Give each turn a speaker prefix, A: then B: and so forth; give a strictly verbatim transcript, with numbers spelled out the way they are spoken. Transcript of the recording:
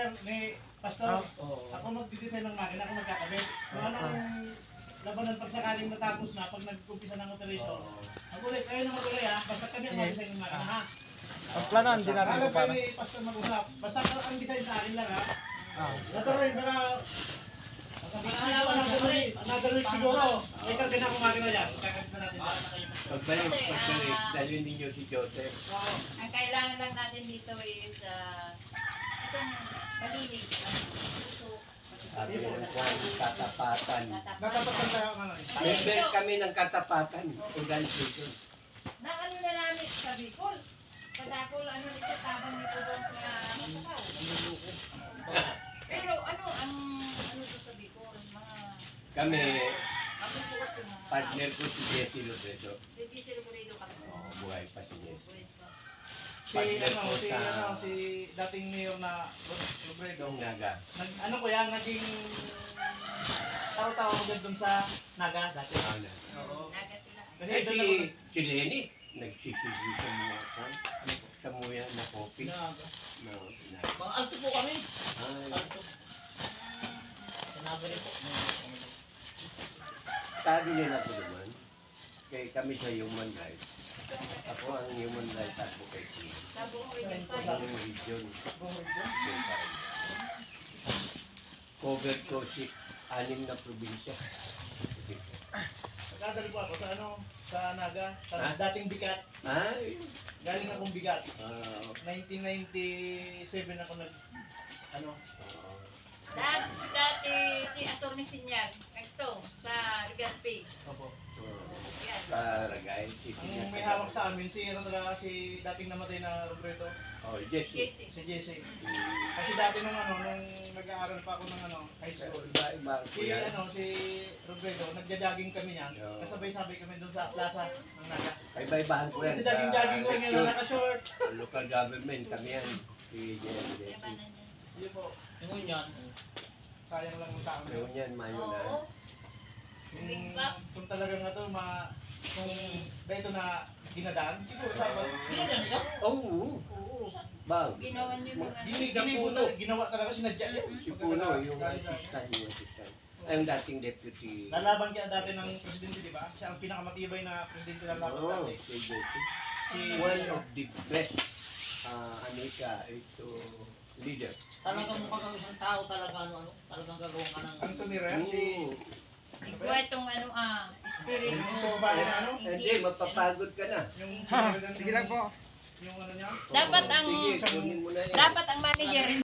A: sir, ni Pastor.
B: Oo.
A: Ako magdi-design ng makina, ako magkakabit. Kung
B: Ah.
A: anong labanan pag sakaling natapos na, pag nag-umpisa ng operation, magulit, kayo na magulit ha, basta kami ang
B: Sige.
A: mag-design ng makina ha.
B: Ang plano, hindi natin
A: Alam
B: ito
A: kayo
B: para.
A: ni Pastor mag-usap, basta ang design sa akin lang ha.
B: Ah.
A: Natuloy, baka siguro, another week, another week siguro, may karga na akong makina dyan, kakabit na natin dyan.
C: Pagbalik, pagbalik, dalhin ninyo si Joseph.
A: Oo.
D: Ang kailangan lang natin dito is uh, itong malinig. Puso.
C: Sabi ng kwan, katapatan.
A: Natapatan tayo ang ano eh.
C: Member kami ng katapatan, organization.
D: Na ano na namin sa Bicol. Kadakol ano nito tabang nito doon sa Masakaw. Pero ano ang ano to sa Bicol? Mga
C: Kami,
D: mabubuot yung mga
C: partner ko si Jesse Loredo.
D: Hindi sila murido kami.
C: Oo, buhay pa si Jesse.
A: Si
C: Partner
A: ano,
C: ko
A: si
C: sa-
A: ano, si dating mayor na Robredo.
C: Yung naga.
A: Nag, ano ko yan, naging tao-tao agad dun sa Naga dati.
C: Ano?
A: Oo.
D: Naga sila.
A: Kasi
C: Eh,
A: doon
C: si,
A: ako,
C: si Lenny, nagsisigi sa mga kwan, sa muya na kopi. No, na.
E: Mga alto po kami.
C: Ay,
E: Alto. Sinabi rin po.
C: sabi nila ko naman, kay kami sa human rights. Ako ang human rights advocate niya.
D: Sa buong region pa.
C: Ang region. Yung parang. Covered ko si anim na probinsya.
A: nagdadali po ako sa ano, sa Naga, sa
C: Ha?
A: dating Bigat.
C: Ay,
A: Galing akong Bigat.
C: ah,
A: nineteen ninety-seven ako nag, ano,
C: oo.
D: Dati, dati si Atty. Sinyal, ito, sa Rigaspi.
A: opo.
C: Oo.
D: Yan.
C: Karagay, si
A: Ang may hawak sa amin, si ano talaga, si dating namatay na Robredo,
C: Oh, Jesse.
D: Casey.
A: si Jesse.
C: Hmm.
A: Kasi dati nung ano, nung nag-aaral pa ako ng ano, high school.
C: Iba-iba ko
A: Si
C: yan.
A: ano, si Robredo, nagja-jogging kami niyan.
C: Oo.
A: Kasabay-sabay kami doon sa plaza ng Naga.
C: Iba-ibahan ko yan.
A: Nagja-jogging-jogging lang yan,
C: election.
A: naka-short.
C: Local government, kami yan. Si Jesse.
D: Yabanan niya.
A: Yun po,
E: Yung yan.
A: sayang lang ng tao.
C: Ngayon yan, mayo na.
D: Oo.
A: Kung,
D: Big back.
A: kung talagang nga to, ma, kung dito na ginadaan, siguro dapat.
E: Ginagawa nito?
C: Oo.
A: Oo.
C: Bag.
D: Ginawa niyo ng ano.
A: Gini, gini po
C: Puno.
A: talaga, ginawa talaga, sinadya yun.
C: Si Puno, yung assistant, yung assistant. Ay, yung dating deputy.
A: Lalaban kaya dati ng presidente, di ba? Siya ang pinakamatibay na presidente ng laban
C: Oo,
A: dati.
C: si Jesse.
A: Si
C: One of the best uh, Anika, ito, leader.
E: Talagang mukha kang isang tao talaga ano ano. Talagang gagawa ka ng...
A: Anthony Ren, si...
D: Ikaw itong ano ah, spirit mo.
A: Yung sa babae na ano?
C: Hindi, mapapagod ka na.
A: Yung
B: Ha, sige lang po.
A: Yung ano niya?
D: Dapat
C: Oo,
D: ang-
C: Sige, kunin mo na yan.
D: Dapat ang manager